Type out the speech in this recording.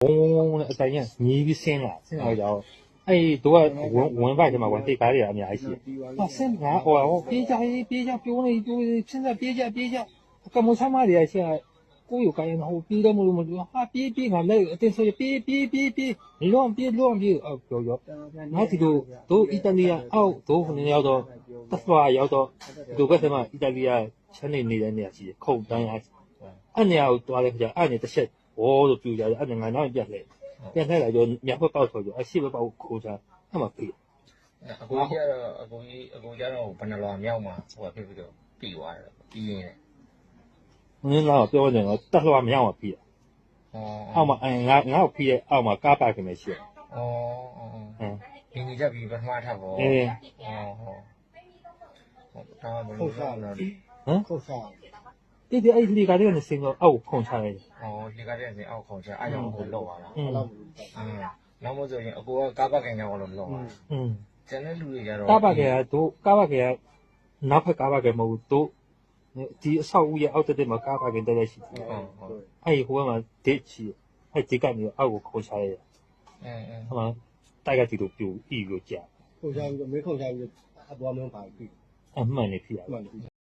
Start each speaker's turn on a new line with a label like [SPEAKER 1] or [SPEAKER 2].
[SPEAKER 1] 嗡的，咱也你比先了，先了就，哎，都文外的嘛，文对白的也没些。啊，先拿我别家别我那就现在别家，干么他妈的现在。ကိုယ်ကိုယ်ဟိုပြီးတော့မလို့ဟာပြီးငါလည်းအတင်းဆိုပြီး乱ပြေအော်ပြောငါဒီတို့အီတလီအောက်တို့ခဏရောက်တော့တက်သွားရောက်တော့ဒီဘက်မှာအီတလီချမ်းနေတဲ့နေရာရှိခုတ်တန်းအဲ့နေရာကိုတွားလိုက်ကြအဲ့နေတစ်ချက်ဘောလို့ပြူကြတယ်အဲ့ငါနောက်ပြက်လိုက်လာတော့မြောက်ဘက်ပေါက်ဆိုကြအရှိဘက်ပေါက်ခိုးချအဲ့မှာပြီ
[SPEAKER 2] အကိုကြီးကတော့ဘယ်နှလွာမြောက်မှာဟိုဖြစ်ပြီးတော့ပြီးသွားတယ်ပြီးရင်
[SPEAKER 1] နင်းတော့ပြောနေတော့တက်လွှားမရအောင်ပြီအောက်မှာငါ့ကိုပြီးတဲ့အောက်မှာကားပါခင်မရှိ
[SPEAKER 2] ဒီနေ့ကြပြီးပထမထပ်ပေါ့
[SPEAKER 1] အေး
[SPEAKER 2] ဒါဘယ်လိုလဲ
[SPEAKER 1] ခုတ်စားဒီအဲ့ဒီကလေးကနေစင်တော့အောက်ခုန်ချလိုက်
[SPEAKER 2] ဒီကလေးကနေအောက်ခုန်ချအားကြောင့်ကိုလောက်သွားတာနောက်မို့ဆိုရင်အကိုကကားပါခင်ကြောင့်လို့လောက်သွားကျန်တဲ့လူတွေကတော့
[SPEAKER 1] ကားပါခင်ကနောက်ဖက်ကားပါခင်မဟုတ်တို့ဒီအဆောက်အဦရဲ့အောက်တက်မှာကားပါခင်တက်ရှိတယ်အဲ့ဟိုမှာဒစ်ချီအဲ့ဒီကနေအောက်ကိုခုန်ချလိုက်ဟိုမှာတိုက်ကတီတို့ပြူဤကိုကြာ
[SPEAKER 3] ခုန်ချပြီးမင်းခုန်ချပြီးအပေါ်မင်းပါပြီ
[SPEAKER 1] အမှန်နေဖြစ်ရ